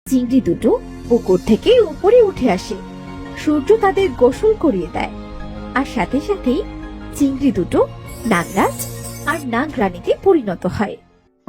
চিংড়ি দুটো পুকুর থেকে উপরে উঠে আসে। সূর্য তাদের গোসল করিয়ে দেয়, আর সাথে সাথেই চিংড়ি দুটো নাগরাজ আর নাগরানীতে পরিণত হয়।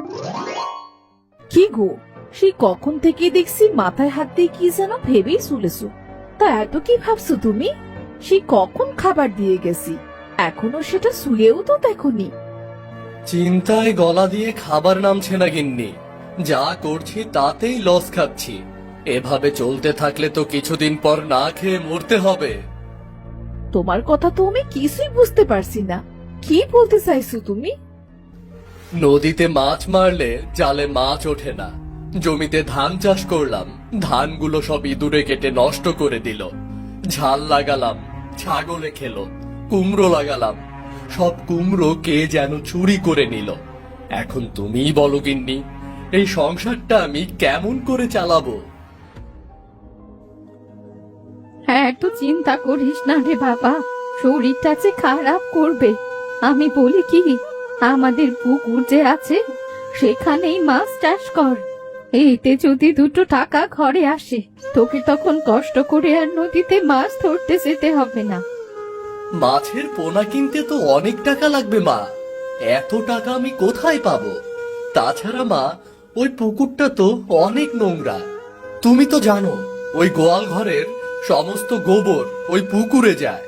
কি গো, সেই কখন থেকে দেখছি মাথায় হাত দিয়ে কি যেন ভেবেই চলেছো। তা এত কি ভাবছো তুমি? সেই কখন খাবার দিয়ে গেছি, এখনো সেটা শুয়েও তো দেখোনি। চিন্তায় গলা দিয়ে খাবার নামছে না গিন্নি। যা করছি তাতেই লস খাচ্ছি। এভাবে চলতে থাকলে তো কিছুদিন পর না খেয়ে মরতে হবে। তোমার কথা তো আমি কিছুই বুঝতে পারছি না। কি বলতে চাইছো তুমি? নদীতে মাছ মারলে জালে মাছ ওঠে না। জমিতে ধান চাষ করলাম, ধানগুলো সব ইঁদুরে কেটে নষ্ট করে দিল। ঝাল লাগালাম, ছাগলে খেলো। কুমড়ো লাগালাম, সব কুমড়ো কে যেন চুরি করে নিল। এখন তুমিই বলো গিন্নি, এই সংসারটা আমি কেমন করে চালাবো? এত চিন্তা করিস না রে বাবা, শরীরটা যে খারাপ করবে। আমি বলি কি, আমাদের পুকুর যে আছে সেখানেই মাছ চাষ কর। এতে যদি দুটো টাকা ঘরে আসে, তোকে তখন কষ্ট করে আর নদীতে মাছ ধরতে যেতে হবে না। মাছের পোনা কিনতে তো অনেক টাকা লাগবে মা। এত টাকা আমি কোথায় পাবো? তাছাড়া মা, ওই পুকুরটা তো অনেক নোংরা। তুমি তো জানো, ওই গোয়াল ঘরের সমস্ত গোবর ওই পুকুরে যায়।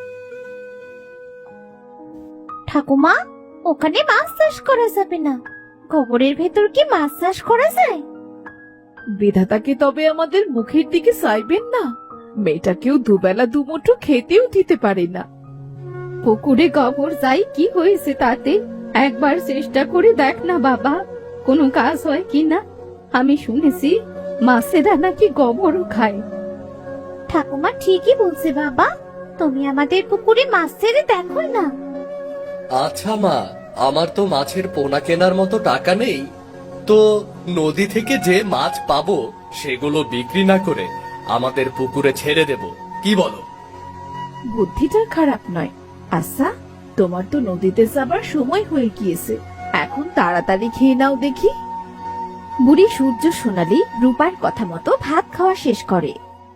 ঠাকুমা, ওখানে মাছ চাষ করা যাবে না। গোবরের ভেতর কি মাছ চাষ করা যায়? বিধাতাকে তবে আমাদের মুখের দিকে চাইবেন না? মেয়েটাকেও দুবেলা দুমুঠো খেতেও দিতে পারে না। পুকুরে গোবর যাই কি হয়েছে তাতে? একবার চেষ্টা করে দেখ না বাবা, কোনো কাজ হয় কিনা। আমি শুনেছি মাছেরা নাকি গোবরও খায়। ঠাকুমা ঠিকই বলছে বাবা, তুমি আমাদের পুকুরে মাছ ছেড়ে দেখো না। আচ্ছা মা, আমার তো মাছের পোনা কেনার মতো টাকা নেই। তো নদী থেকে যে মাছ পাবো সেগুলো বিক্রি না করে আমাদের পুকুরে ছেড়ে দেব, কি বলো? বুদ্ধিটা খারাপ নয়। আচ্ছা, তোমার তো নদীতে যাবার সময় হয়ে গিয়েছে, এখন তাড়াতাড়ি খেয়ে নাও দেখি। বুড়ি সূর্য সোনালী রূপার কথা মতো ভাত খাওয়া শেষ করে।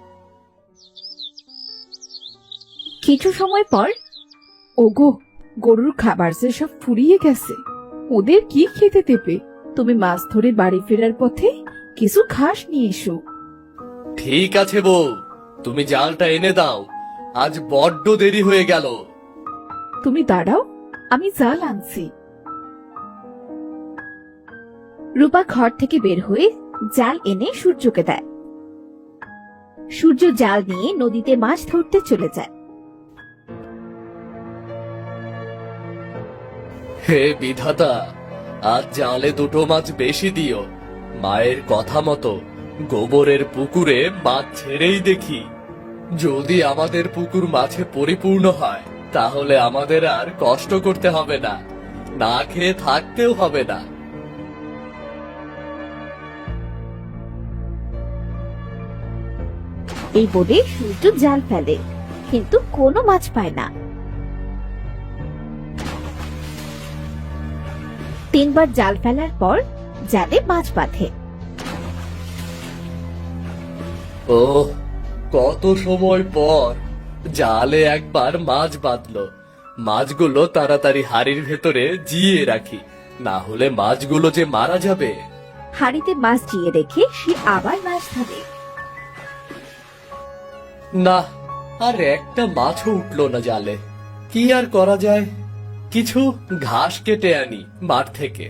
কিছু সময় পর, ওগো, গরুর খাবার যে সব ফুরিয়ে গেছে, ওদের কি খেতে দেবে? তুমি মাছ ধরে বাড়ি ফেরার পথে কিছু ঘাস নিয়ে এসো। ঠিক আছে বউ, তুমি জালটা এনে দাও। আজ বড্ড দেরি হয়ে গেল। তুমি দাঁড়াও, আমি জাল আনছি। রূপা ঘর থেকে বের হয়ে জাল এনে সূর্যকে দেয়। সূর্য জাল নিয়ে নদীতে মাছ ধরতে চলে যায়। হে বিধাতা, আজ জালে দুটো মাছ বেশি দিও। মায়ের কথা মতো গোবরের পুকুরে মাছ ছেড়েই দেখি। যদি আমাদের পুকুর মাছে পরিপূর্ণ হয়, তাহলে আমাদের আর কষ্ট করতে হবে না, না খেয়ে থাকতেও হবে না। এই বলে সূর্য জাল ফেলে, কিন্তু কোনো মাছ পায় না। 3 বার জাল ফেলার পর জালে মাছ বাঁধে। ও, কত সময় পর জালে একবার মাছ বাঁধলো। মাছগুলো তাড়াতাড়ি হাড়ির ভেতরে জিয়ে রাখি, না হলে মাছগুলো যে মারা যাবে। হাড়িতে মাছ জিয়ে রেখে সে আবার মাছ ধরে। না, আর একটা মাছও উঠলো না জালে। কি আর করা যায়? কিছু ঘাস কেটে আনি মাঠ থেকে।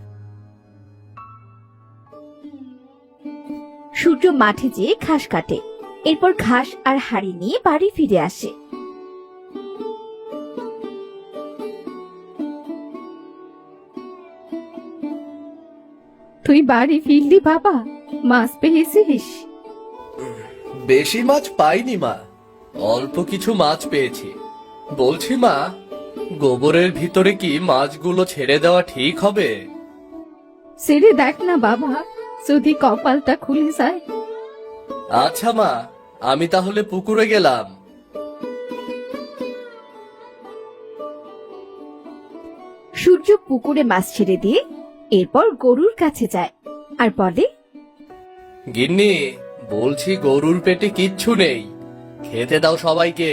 সূর্য মাঠে যেয়ে ঘাস কাটে, এরপর ঘাস আর হাড়ি নিয়ে বাড়ি ফিরে আসে। তুই বাড়ি ফিরলি বাবা? মাছ পেয়েছিস? বেশি মাছ পাইনি মা, অল্প কিছু মাছ পেয়েছি। বলছি মা, গোবরের ভিতরে কি মাছগুলো ছেড়ে দেওয়া ঠিক হবে? ছেড়ে দেখ না বাবা, যদি কপালটা খুলে যায়। আচ্ছা মা, আমি তাহলে পুকুরে গেলাম। সূর্য পুকুরে মাছ ছেড়ে দিয়ে এরপর গরুর কাছে যায় আর বলে, গিন্নি, বলছি গরুর পেটে কিচ্ছু নেই, খেতে দাও সবাইকে।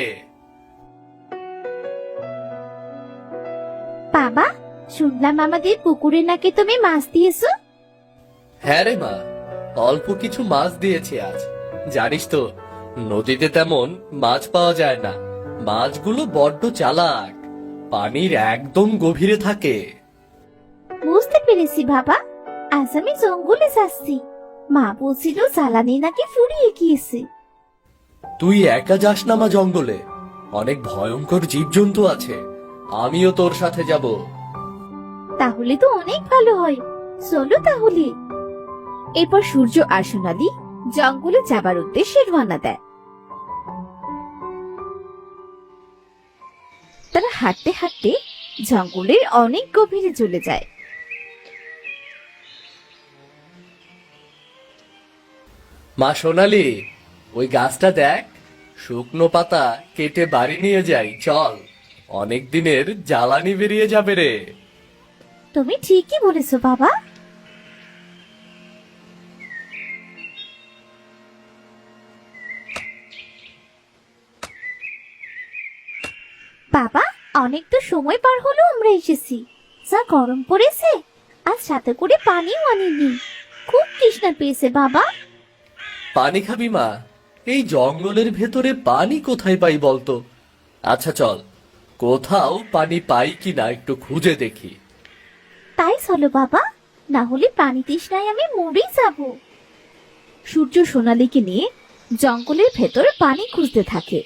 বাবা, শুনলাম আমাদের পুকুরে নাকি তুমি মাছ দিয়েছো। হ্যাঁ রে মা, অল্প কিছু মাছ দিয়েছি আজ। জানিস তো, নদীতে তেমন মাছ পাওয়া যায় না। মাছগুলো বড্ড চালাক, পানির একদম গভীরে থাকে। বুঝতে পেরেছি বাবা, আজ আমি জঙ্গলে যাচ্ছি। মা বলছিল জ্বালানি নাকি ফুরিয়ে গিয়েছে। তুই একা যাস না মা জঙ্গলে, অনেক ভয়ঙ্কর জীবজন্তু আছে। আমিও তোর সাথে যাব। তাহলে তো অনেক ভালো হয়, চলো তাহলে। এরপর সূর্য আর সোনালি জঙ্গলে যাবার উদ্দেশ্যে রওনা দেয়। তারা হাঁটতে হাঁটতে জঙ্গলের অনেক গভীরে চলে যায়। মা সোনালি, ওই গাছটা দেখ, শুকনো পাতা কেটে বাড়ি নিয়ে যাই, চল। অনেক দিনের জ্বালানি বেরিয়ে যাবে রে। তুমি ঠিকই বলেছো বাবা। বাবা, অনেক তো সময় পার হলো আমরা এসেছি। যা গরম পড়েছে, আর সাথে করে পানিও আনিনি। খুব তৃষ্ণা পেয়েছে বাবা। পানি খাবি মা? এই জঙ্গলের ভেতরে পানি কোথায় পাই বলতো? আচ্ছা চল, কোথাও পানি পাই কিনা একটু খুঁজে দেখি। তাই চলো বাবা, না হলে পানি তৃষ্ণায় আমি মরেই যাব। সূর্য সোনালীকে নিয়ে জঙ্গলের ভেতরে পানি খুঁজতে থাকে।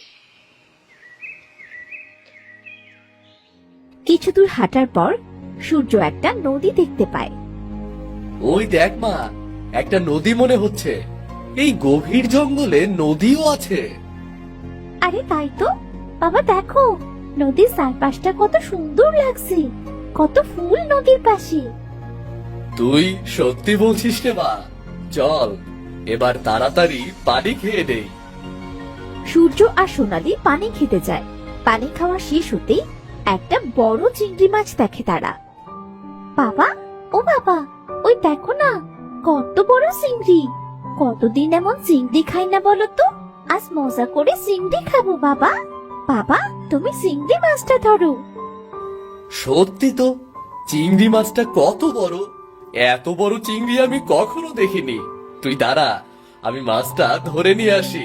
কিছু দূর হাঁটার পর সূর্য একটা নদী দেখতে পায়। ওই দেখ মা, একটা নদী মনে হচ্ছে। এই গভীর জঙ্গলে নদীও আছে। আরে তাই তো বাবা, দেখো নদীর চারপাশটা কত সুন্দর লাগছে। কত ফুল নদীর পাশে। তুই সত্যি বলছিস রে মা? চল, এবার তাড়াতাড়ি পানি খেয়ে নেই। সূর্য আর সোনালী পানি খেতে যায়। পানি খাওয়া শেষ হতেই একটা বড় চিংড়ি মাছ দেখে তারা। বাবা, ও বাবা, ওই দেখো না, কত বড় চিংড়ি। কতদিন এমন চিংড়ি খাই না বলো তো। আজ মজা করে চিংড়ি খাবো বাবা। বাবা, তুমি চিংড়ি মাছটা ধরো। সত্যি তো, চিংড়ি মাছটা কত বড়! এত বড় চিংড়ি আমি কখনো দেখিনি। তুই দাঁড়া, আমি মাছটা ধরে নিয়ে আসি।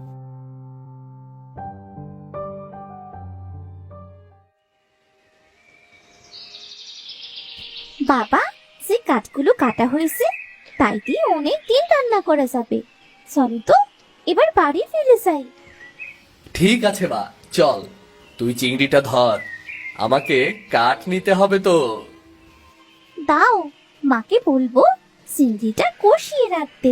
বাবা, যে কাঠগুলো কাটা হয়েছে তাই দিয়ে অনেক দিন রান্না করা যাবে। চলো তো এবার বাড়ি ফিরে যাই। ঠিক আছে মা, চল। তুই চিংড়িটা ধর, আমাকে কাঠ নিতে হবে তো। দাও, মাকে বলবো চিংড়িটা কষিয়ে রাখতে।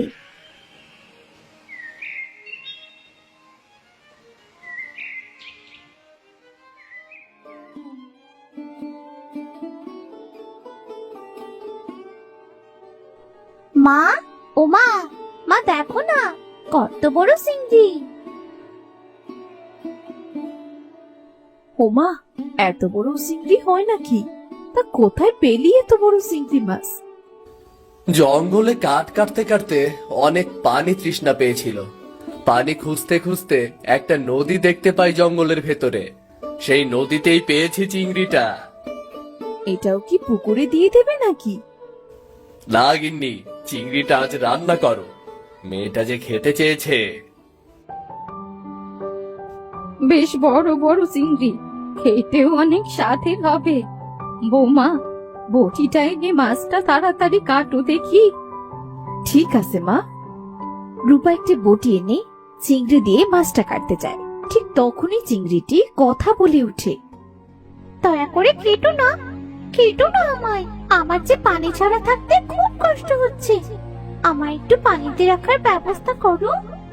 মা, ও মা, মা দেখো না, কত বড় চিংড়ি। ওমা, এত বড় চিংড়ি হয় নাকি? তা কোথায় পেলি এত বড় চিংড়ি মাছ? জঙ্গলে কাঠ কাটতে কাটতে অনেক পানি তৃষ্ণা পেয়েছিল। পানি খুঁজতে খুঁজতে একটা নদী দেখতে পাই জঙ্গলের ভেতরে। সেই নদীতেই পেয়েছি চিংড়িটা। এটাও কি পুকুরে দিয়ে দেবে নাকি? না গিন্নি, চিংড়িটা আজ রান্না করো, মেয়েটা যে খেতে চেয়েছে। বেশ বড় বড় চিংড়ি, খেতেও অনেক স্বাদের হবে। বৌমা, বটিটা এনে মাছটা তাড়াতাড়ি কাটো দেখি। ঠিক আছে মা। রূপা একটি বটি এনে চিংড়ি দিয়ে মাছটা কাটতে যায়। ঠিক তখনই চিংড়িটি কথা বলে ওঠে। দয়া করে কেটো না, কেটো না আমায়। আমার যে পানি ছাড়া থাকতে খুব কষ্ট হচ্ছে। আমায় একটু পানিতে রাখার ব্যবস্থা করো।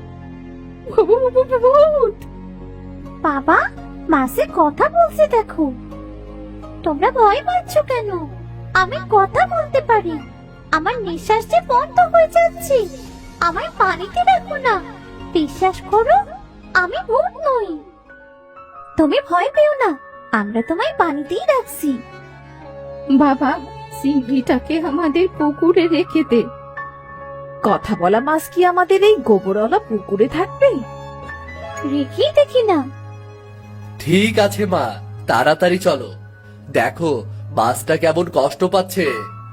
বাবা, মাছে কথা বলছে দেখো। তোমরা ভয় পাচ্ছ কেন? আমি কথা বলতে পারি। আমার নিঃশ্বাস যে বন্ধ হয়ে যাচ্ছে। আমায় পানিতে রাখো না। বিশ্বাস করো, আমি ভূত নই। তুমি ভয় পেও না, আমরা তোমায় পানিতেই রাখছি। বাবা, চিংড়িটাকে আমাদের পুকুরে রেখে দে। কথা বলা মাছ কি আমাদের এই গোবরওয়ালা পুকুরে থাকবে? রেখেই দেখি না। ঠিক আছে মা, তাড়াতাড়ি চলো। দেখো মাছটা কেমন কষ্ট পাচ্ছে।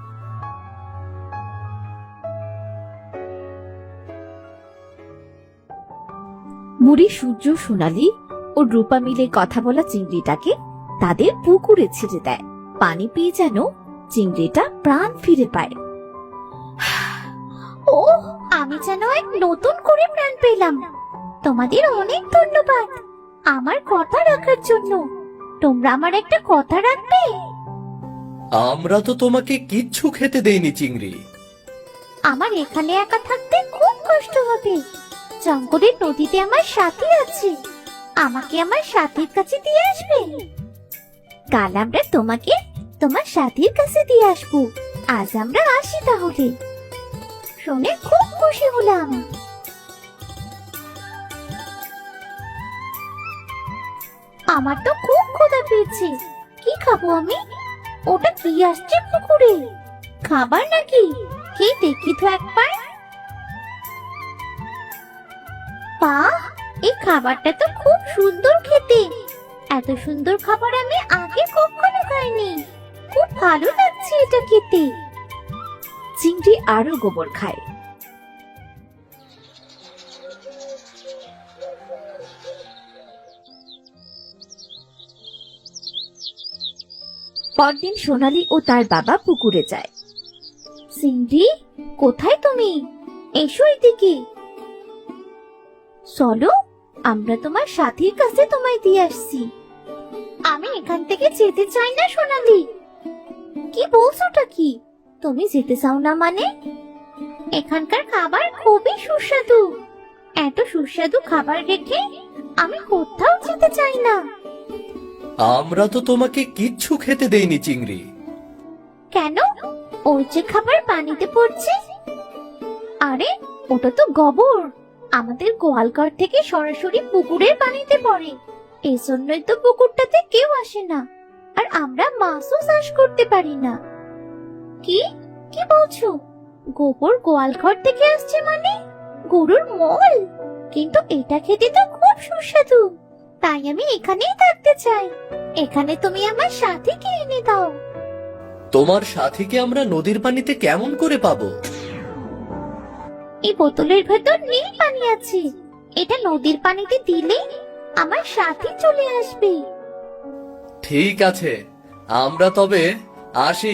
বুড়ি সূর্য, সোনালি ও রূপা মিলে কথা বলা চিংড়িটাকে তাদের পুকুরে ছেড়ে দেয়। পানি পেয়ে যেন চিংড়িটা প্রাণ ফিরে পায়। ও, আমি যেন এক নতুন করে প্রাণ পেলাম। তোমাদের অনেক ধন্যবাদ আমার কথা রাখার জন্য। তোমরা আমার একটা কথা রাখবে? আমরা তো তোমাকে কিচ্ছু খেতে দেইনি চিংড়ি। আমার এখানে একা থাকতে খুব কষ্ট হবে। জঙ্গলের নদীতে আমার সাথী আছে, আমাকে আমার সাথীর কাছে দিয়ে আসবে। কাল আমরা তোমাকে তোমার সাথীর কাছে দিয়ে আসবো। আজ আমরা আসি তাহলে। শুনে খুব খুশি হলাম। আমার তো খুব ক্ষুধা পেয়েছে। কি খাবো আমি? ওটা কি আসছে পুকুরে? খাবার নাকি? কে দেখি তো একবার। বাহ, এই খাবারটা তো খুব সুন্দর খেতে। এত সুন্দর খাবার আমি আগে কখনো খাইনি। খুব ভালো লাগছে এটা খেতে। চিংড়ি আরো গোবর খায়। পরদিন সোনালি ও তার বাবা পুকুরে যায়। সিন্ডি, কোথায় তুমি? এসো এদিকে। চলো, আমরা তোমার সাথীর কাছে তোমায় দিয়ে আসছি। আমি এখান থেকে যেতে চাই না সোনালি। কি বলছোটা কি? তুমি যেতে চাও না মানে? এখানকার খাবার খুবই সুস্বাদু। এত সুস্বাদু খাবার রেখে আমি কোথাও যেতে চাই না। আমরা তো তোমাকে কিচ্ছু খেতে দেইনি চিংড়ি। কেন? ওই যে খাবার পানিতে পড়ছে। আরে, ওটা তো গোবর। আমাদের গোয়ালঘর থেকে সরাসরি পুকুরের পানিতে পড়ে। এই জন্যই তো পুকুরটাতে কেউ আসে না, আর আমরা মাছও চাষ করতে পারি না। কি কি বলছো? গোবর গোয়ালঘর থেকে আসছে মানে? গরুর মল? কিন্তু এটা খেতে তো খুব সুস্বাদু। তাই আমি এখানেই থাকতে চাই। এখানে তুমি আমার সাথীকে এনে দাও। তোমার সাথীকে আমরা নদীর পানিতে কেমন করে পাবো? এই বোতলের ভেতর নীল পানি আছে। এটা নদীর পানিতে দিলে আমার সাথী চলে আসবে। ঠিক আছে, আমরা তবে আসি।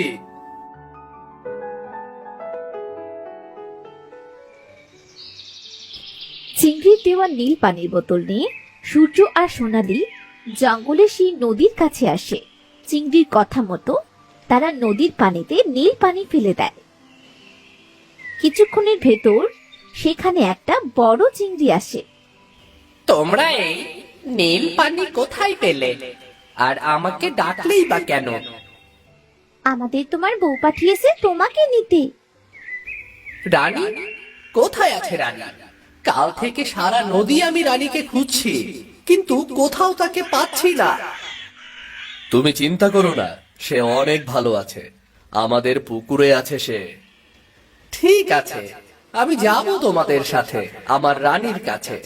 চিংড়ির দেওয়া নীল পানির বোতল নিয়ে সূর্য আর সোনালি জঙ্গলে সেই নদীর কাছে আসে। চিংড়ির কথা মতো তারা নদীর পানিতে নীল পানি ফেলে দেয়। কিছুক্ষণের ভেতর সেখানে একটা বড় চিংড়ি আসে। তোমরা এই নীল পানি কোথায় পেলে? আর আমাকে ডাকলেই বা কেন? আমাদের তোমার বউ পাঠিয়েছে তোমাকে নিতে। রানী কোথায় আছে? রানী, কাল থেকে সারা নদী আমি রানীকে খুঁজছি, কিন্তু কোথাও তাকে পাচ্ছি না। তুমি চিন্তা করো না, সে অনেক ভালো আছে। আমাদের পুকুরে আছে সে। ঠিক আছে, আমি যাব তোমাদের সাথে আমার রানীর কাছে।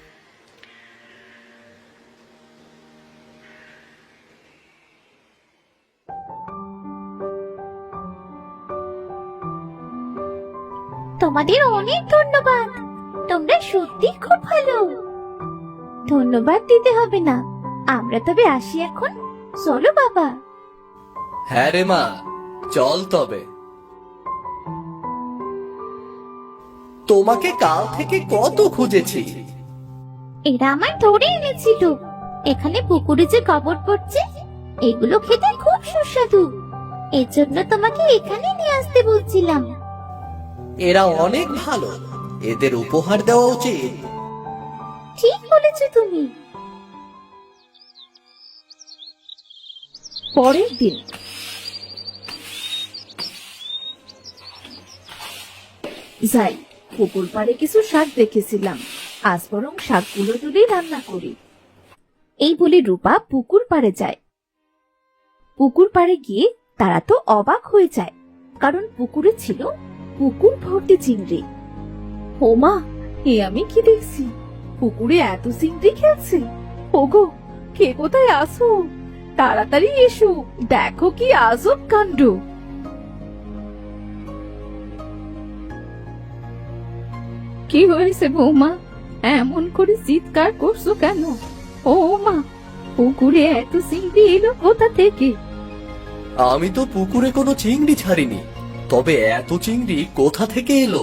তোমাদের অনেক ধন্যবাদ। তোমরা সত্যি খুব ভালো। ধন্যবাদ দিতে হবে না। আমরা তবে আসি এখন। চলো বাবা। হ্যাঁ রে মা, চল তবে। তোমাকে কাল থেকে কত খুঁজেছি। এরা আমায় ধরে এনেছিল। এখানে পুকুরে যে গোবর পড়ছে, এগুলো খেতে খুব সুস্বাদু। এর জন্য তোমাকে এখানে নিয়ে আসতে বলছিলাম। এরা অনেক ভালো, এদের উপহার দেওয়া উচিত। ঠিক বলেছো তুমি। পরের দিন যাই, পুকুর পাড়ে কিছু শাক দেখেছিলাম, আজ বরং শাকগুলো তুলে রান্না করি। এই বলে রূপা পুকুর পাড়ে যায়। পুকুর পাড়ে গিয়ে তারা তো অবাক হয়ে যায়, কারণ পুকুরে ছিল পুকুর ভর্তি চিংড়ি। ও মা, এ আমি কি দেখছি? পুকুরে এত চিংড়ি খেলছে। ওগো, কে কোথায় আসো? তাড়াতাড়ি এসো, দেখো কি আজব কাণ্ড। কি হয়েছে বৌমা? এমন করে চিৎকার করছো কেন? ও মা, পুকুরে এত চিংড়ি এলো কোথা থেকে? আমি তো পুকুরে কোনো চিংড়ি ছাড়িনি, তবে এত চিংড়ি কোথা থেকে এলো?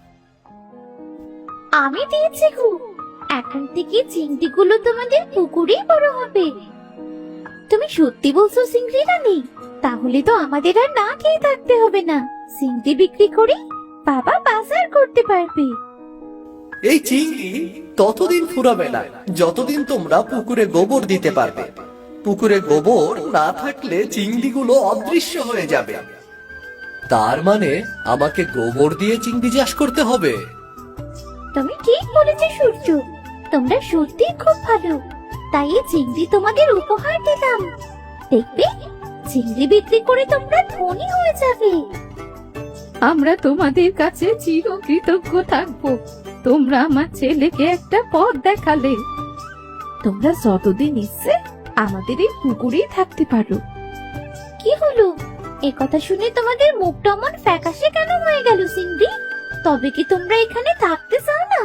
আমি দিয়েছি গো। এখন থেকে চিংড়িগুলো তোমাদের পুকুরেই বড় হবে। তুমি সত্যি বলছো চিংড়ি রানী? তাহলে তো আমাদের আর না খেয়ে থাকতে হবে না। চিংড়ি বিক্রি করে বাবা বাজার করতে পারবে। এই চিংড়ি ততদিন ফুরাবে না যতদিন তোমরা পুকুরে গোবর দিতে পারবে। পুকুরে গোবর না থাকলে চিংড়িগুলো অদৃশ্য হয়ে যাবে। তার মানে আমাকে গোবর দিয়ে চিংড়ি চাষ করতে হবে। তুমি ঠিক বলেছো সূর্য, তোমরা সত্যি খুব ভালো। তাই এই চিংড়ি তোমাদের উপহার দিলাম। দেখবে, চিংড়ি বিক্রি করে তোমরা ধনী হয়ে যাবে। আমরা তোমাদের কাছে চিরকৃতজ্ঞ থাকবো। তোমরা আমার ছেলেকে একটা পথ দেখালে। তোমরা যতদিন ইচ্ছে আমাদের এই পুকুরেই থাকতে পারো। কি হলো? এ কথা শুনে তোমাদের মুখটা অমন ফ্যাকাশে কেন হয়ে গেল চিংড়ি? তবে কি তোমরা এখানে থাকতে চাও না?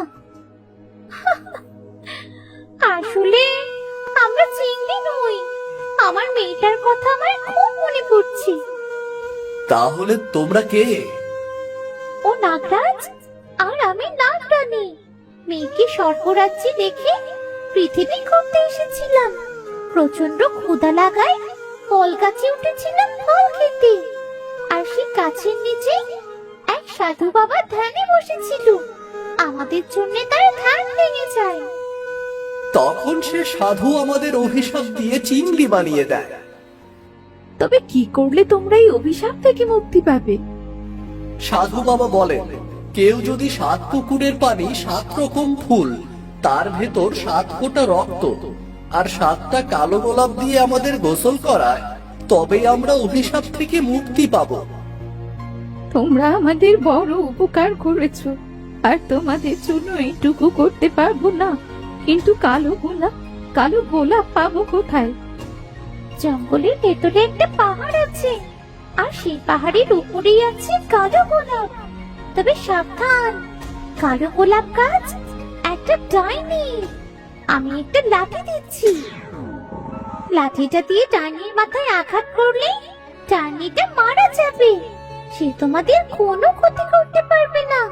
আসলে আমরা চিংড়ি নই। আমার মেয়েটার কথা আমার খুব মনে পড়ছে। তাহলে তোমরা কে? ও নাগরাজ, আর আমি নাগরানী। মেয়েকে স্বর্গরাজ্যে দেখে পৃথিবী ঘুরতে এসেছিলাম। প্রচন্ড ক্ষুধা লাগায় ফল গাছে উঠেছিলাম ফল খেতে। আর সেই গাছের নিচে এক সাধু বাবা ধ্যানে বসেছিল। আমাদের জন্য তার ধ্যান ভেঙে যায়। তখন সে সাধু আমাদের অভিশাপ দিয়ে চিংড়ি বানিয়ে দেয়। তবে কি করলে তোমরা এই অভিশাপ থেকে মুক্তি পাবে? সাধু বাবা বলেন, কেউ যদি 7 পুকুরের পানি 7 রকম ফুল, তার ভেতর 7 ফোঁটা রক্ত আর 7টা কালো গোলাপ দিয়ে আমাদের গোসল করায়, তবেই আমরা অভিশাপ থেকে মুক্তি পাবো। তোমরা আমাদের বড় উপকার করেছো, আর তোমাদের জন্য এইটুকু করতে পারবো না। কিন্তু কালো গোলাপ পাবো কোথায়? জঙ্গলের ভেতরে একটা পাহাড় আছে, আর সেই পাহাড়ের উপরেই আছে কালো গোলাপ। তবে সাবধান, কালো গোলাপ গাছ একটা ডাইনি। আমি একটা লাঠি দিচ্ছি। লাঠিটা দিয়ে ডাইনির মাথায় আঘাত করলে ডাইনিটা মারা যাবে। সে তোমাদের কোনো ক্ষতি করতে পারবে না।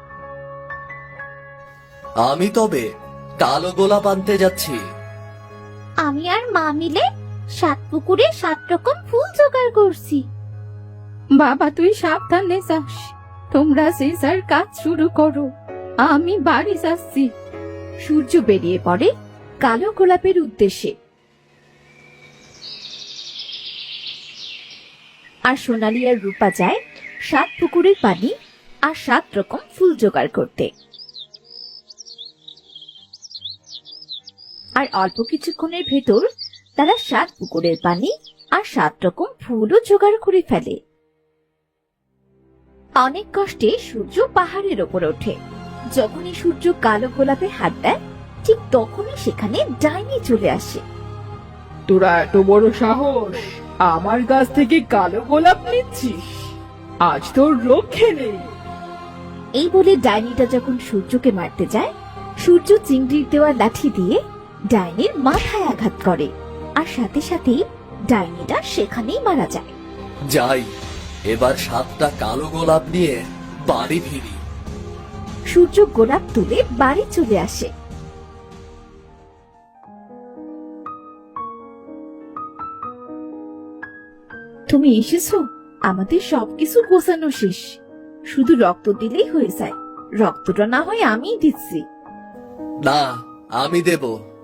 আমি তবে কালো গোলাপ আনতে যাচ্ছি। আমি আর মা মিলে 7 পুকুরে 7 রকম ফুল জোগাড় করছি। বাবা, তুই সাবধানে যাস। তোমরা যে যার কাজ শুরু করো, আমি বাড়ি যাচ্ছি। সূর্য বেরিয়ে পড়ে কালো গোলাপের উদ্দেশ্যে। আর সোনালী আর রূপা যায় 7 পুকুরের পানি আর 7 রকম ফুল জোগাড় করতে। আর অল্প কিছুক্ষণের ভেতর তারা 7 পুকুরের পানি আর 7 রকম ফুলও জোগাড় করে ফেলে। অনেক কষ্টে সূর্য পাহাড়ের ওপর ওঠে। যখনই সূর্য কালো গোলাপে হাত দেয়, ঠিক তখনই সেখানে ডাইনি চলে আসে। তোরা এত বড় সাহস আমার কাছ থেকে কালো গোলাপ নিচ্ছিস? আজ তোর রক্ষে নেই। এই বলে ডাইনিটা যখন সূর্যকে মারতে যায়, সূর্য চিংড়ির দেওয়া লাঠি দিয়ে ডাইনির মাথায় আঘাত করে, আর সাথে সাথেই ডাইনিটা সেখানেই মারা যায়। যাই, এবার 7টা কালো গোলাপ নিয়ে বাড়ি ফিরি। সূর্য গোলাপ তুলে বাড়ি চলে আসে। তুমি এসেছো? আমাদের সবকিছু গোছানো শেষ। শুধু রক্ত দিলেই হয়ে যায়। রক্তটা না হয় আমিই দিচ্ছি। না, আমি দেব।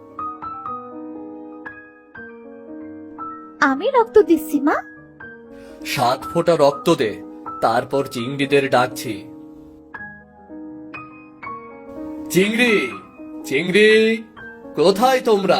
আমি রক্ত দিচ্ছি মা। 7 ফোঁটা রক্ত দে, তারপর চিংড়িদের ডাকছি। চিংড়ি, চিংড়ি, কোথায় তোমরা?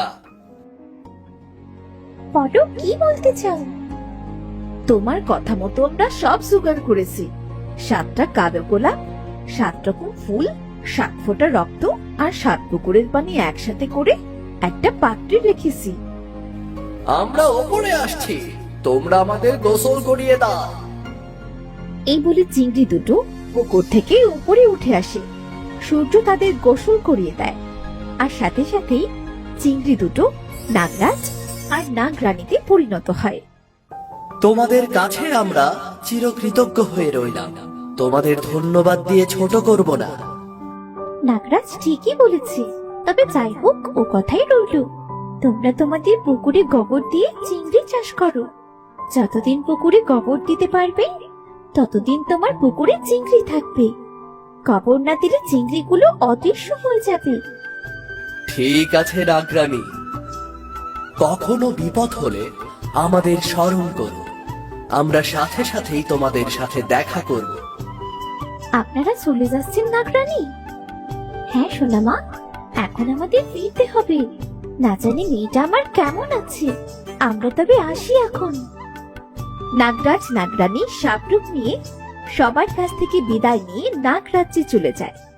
বড় কি বলতে চাও? তোমার কথা মতো আমরা সব জোগাড় করেছি। 7টা কালো গোলাপ, 7 রকম ফুল, 7 ফোঁটা রক্ত আর 7 পুকুরের পানি একসাথে করে একটা পাত্রে রেখেছি। আমরা ওপরে আসছি, তোমরা আমাদের গোসল করিয়ে দাও। এই বলে চিংড়ি দুটো পুকুর থেকে উপরে উঠে আসে। সূর্য তাদের গোসল করিয়ে দেয়, আর সাথে সাথেই চিংড়ি দুটো নাগরাজ আর নাগরানীতে পরিণত হয়। তোমাদের কাছে আমরা চিরকৃতজ্ঞ হয়ে রইলাম, তোমাদের ধন্যবাদ দিয়ে ছোট করব না। নাগরাজ ঠিকই বলেছে, তবে যাই হোক ও কথাই রইল। তোমরা তোমাদের পুকুরে গোবর দিয়ে চিংড়ি চাষ করো। যতদিন পুকুরে গোবর দিতে পারবে ততদিন তোমার পুকুরে চিংড়ি থাকবে। গোবর না দিলে চিংড়িগুলো অদৃশ্য হয়ে যাবে। ঠিক আছে নাগরানী, কখনো বিপদ হলে আমাদের স্মরণ করো, আমরা সাথে সাথেই তোমাদের সাথে দেখা করব। আপনারা চলে যাচ্ছেন নাগরানী? হ্যাঁ সোনামা, এখন আমাদের ফিরতে হবে। না জানি মেয়েটা আমার কেমন আছে। আমরা তবে আসি এখন। নাগরাজ নাগরানী সাপরূপ নিয়ে সবার কাছ থেকে বিদায় নিয়ে নাগরাজ্যে চলে যায়।